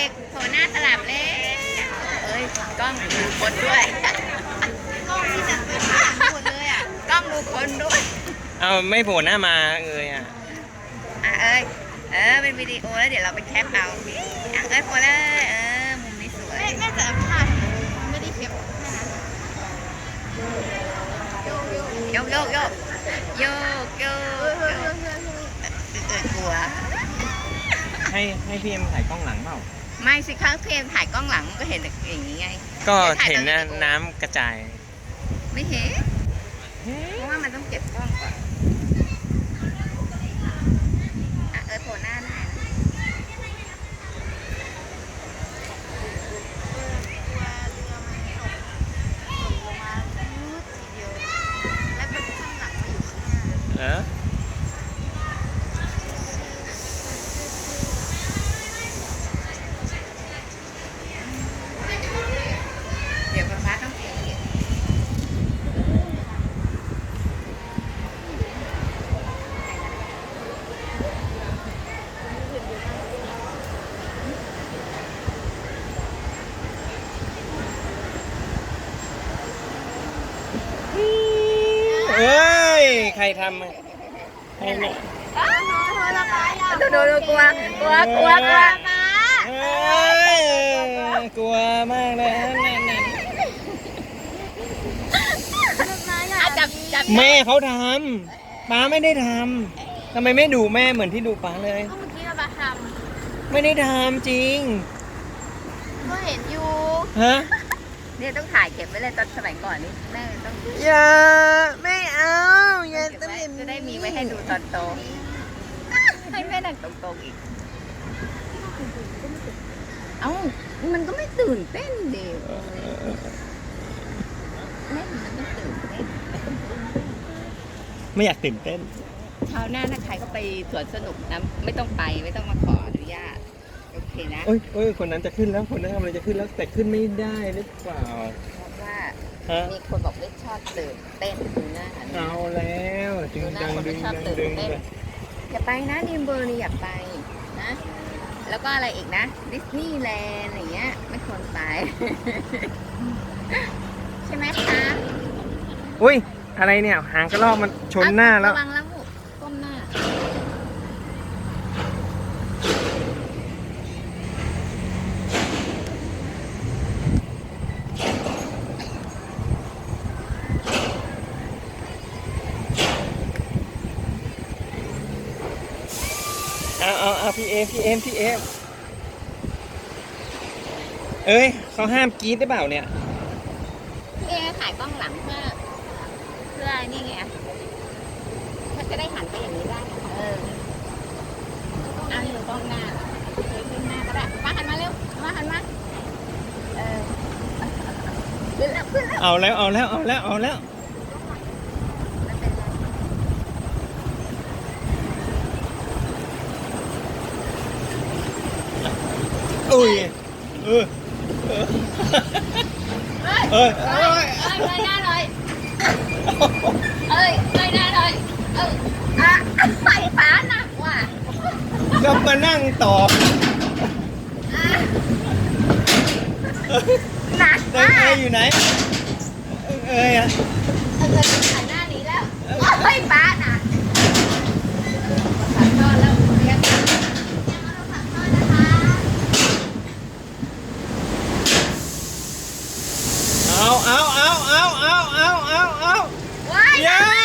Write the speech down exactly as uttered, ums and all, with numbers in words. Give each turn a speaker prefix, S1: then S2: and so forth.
S1: กโผล่หน้าสลับเลยเอ้ยกล้องดูคนด้วยกล้องที่จะเป็นข้างหมดเลยอ่ะกล้องดูคนด้วย
S2: เอาไม่โผล่หน้ามาเอ้ยอ่ะ
S1: อ่ะเอ้ยเออเป็นวิดีโอแล้วเดี๋ยวเราไปแคปเอาอ่ะเอ้ยโผล่เลยเออมุมนี้สวยแม่จะพลาดไม่ได้แคปโยกโยกโยกโยกโยกเออกลัว
S2: ให้ให้พี่เอ็มถ่ายกล้องหลังเปล่า
S1: ไม่สิคะเพมถ่ายกล้องหลังก็เห็นอย่างนี้ไง
S2: ก็เห็นนะน้ำกระจาย
S1: ไม่เห็นเพราะว่ามันต้องเก็บกล้องก่อนอ่ะเออโผล่หน้าหน่อย
S2: เออ
S1: เดี๋ยวป๊าป๊าต้องเก็บ
S2: เอ้ยใครทำให้เนี่ย
S1: ดูดูดูกลัวกลัวกลัวกลัว
S2: เอ้ยกลัวมากเลยนั่นนั่น
S1: จับจับ
S2: แม่เขาทำป้าไม่ได้ทำทำไมไม่ดูแม่เหมือนที่ดูป้าเลย
S1: เมื่อกี้ป้าท
S2: ำไม่ได้ทำจริง
S1: ก็เห็นอยู่
S2: ฮะ
S1: เนี่ยต้องถ่ายเก็บไว้เลยตอนสมัยก่อนนี่แม่ต้อง
S2: อย่าไม่เอาอย่า
S1: จะได้มีไว้ให้ดูตอนโตให้แม่นั่งตรงๆอีกเอ้ามันก็ไม่ตื่นเต้นเดียวแม่มันไม่ตื่นเต้น
S2: ไม่อยากตื่นเต้น
S1: คราวหน้าถ้าใครก็ไปสวนสนุกนะไม่ต้องไปไม่ต้องมาขออนุญาตโอเคนะ
S2: โอ้ยโอ้ยคนนั้นจะขึ้นแล้วคนนั้นกำลังจะขึ้นแล้วแต่ขึ้นไม่ได้หรือเปล่า
S1: เพราะว่ามีคนบอกไม่ชอบตื่นเต้นดูหน้า
S2: เอาแล้วดึงดังดึงดังดึง
S1: อย่าไปนะดิมเบอร์นี่อย่าไปนะแล้วก็อะไรอีกนะดิสนีย์แลนด์อย่างเงี้ยไม่ควรไปใช่ไหมคะ
S2: อุ้ยอะไรเนี่ยหางกระรอกมันชนหน้าแล้ว
S1: ระวังแล้วก้มหน้า
S2: เอาเอาเอาพี่เอพี่เอ็มพี่เอ็มเอ้ยเขาห้ามกรี๊ดได้เปล่าเนี่ย
S1: พี่เอถ่ายกล้องหลังเพื่อเพื่อนี่ไงถ้าจะได้หันไปอย่างนี้ได้เออเอาอยู่กล้องหน้าเลยขึ้นหน้าก็ได้ป้าหันมาเร็วมาหันมาเออขึ้นแล้วขึ้นแล้ว
S2: เอาแล้วเอาแล้วเอาแล้วเอาแล้วอุ้ยเออเอ้ยเอ้ยเอ้ย
S1: เอ้ยเลยหน้าเลยเอ้ยเลยหน้าเลยเอออ่ะไฟฟ้าหนักว่ะ
S2: ก็มานั่งต่อ
S1: หนักมาก
S2: เอ้ยอยู่ไหนเอ้ยอะ
S1: เออหันหน้านี้แล้วไฟฟ้าหนักขันทอดแล้วเรียก
S2: เอาเอาเอาเอาเอาเอาเอาเอา
S1: ว้าย